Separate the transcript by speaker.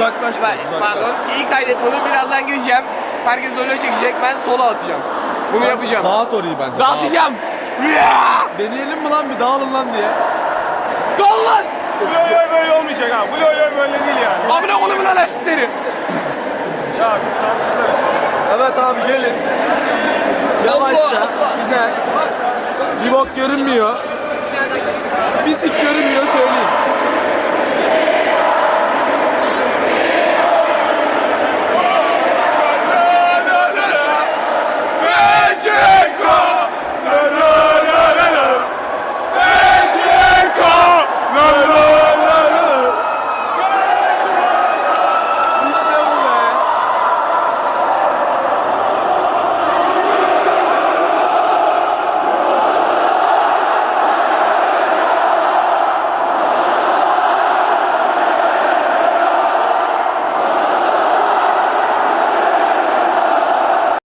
Speaker 1: Uzaklaş.
Speaker 2: Pardon. İyi kaydet bunu. Birazdan gideceğim. Herkes öyle çekecek. Ben sola atacağım. Bunu yapacağım.
Speaker 1: Dağıt orayı bence.
Speaker 2: Dağıtacağım.
Speaker 1: Deneyelim mi lan bir dağılın lan diye.
Speaker 2: Dal lan.
Speaker 3: Bu loy böyle olmayacak ha. Bu loy böyle değil yani.
Speaker 2: Amına konumun anasını.
Speaker 3: Ya tartıştılar işte.
Speaker 1: Evet abi gelin. Yavaşça.
Speaker 2: Allah.
Speaker 1: Güzel. Bir bok görünmüyor. Bir sik görünmüyor söyleyeyim.